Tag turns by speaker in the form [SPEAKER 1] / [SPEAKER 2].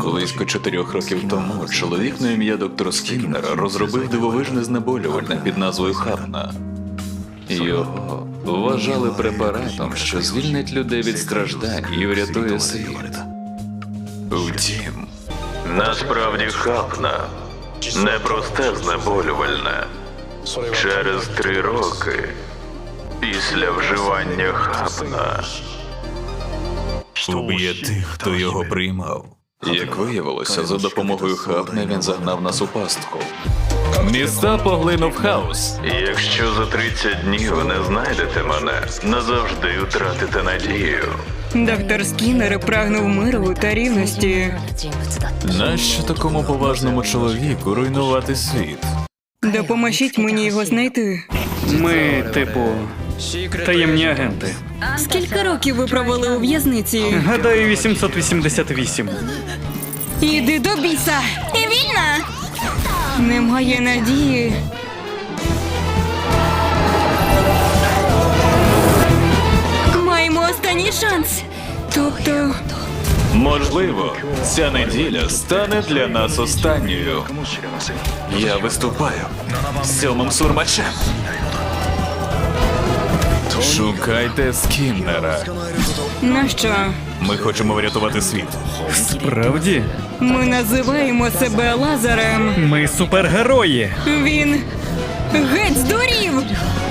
[SPEAKER 1] Близько 4 років тому чоловік на ім'я доктор Скіннер розробив дивовижне знеболювальне під назвою Хапна. Його вважали препаратом, що звільнить людей від страждань і врятує світ. Втім, насправді Хапна – непросте знеболювальне. Через 3 роки після вживання Хапна уб'є тих, хто його приймав. Як виявилося, за допомогою Хапна він загнав нас у пастку.
[SPEAKER 2] Міста поглинув хаос.
[SPEAKER 1] Якщо за 30 днів не знайдете мене, назавжди втратите надію.
[SPEAKER 3] Доктор Скіннер прагнув миру та рівності.
[SPEAKER 1] Нащо такому поважному чоловіку руйнувати світ?
[SPEAKER 3] Допоможіть мені його знайти.
[SPEAKER 4] Ми, таємні агенти.
[SPEAKER 3] Скільки років ви провели у в'язниці?
[SPEAKER 4] Гадаю, 888.
[SPEAKER 3] Іди до біса! І вільна! Немає надії. Маємо останній шанс. Тобто...
[SPEAKER 1] Можливо, ця неділя стане для нас останньою. Я виступаю з 7-м сурмачем. Шукайте Скіннера.
[SPEAKER 3] Нащо?
[SPEAKER 1] Ми хочемо врятувати світ.
[SPEAKER 4] Справді?
[SPEAKER 3] Ми називаємо себе Лазарем.
[SPEAKER 4] Ми супергерої.
[SPEAKER 3] Він геть здурів!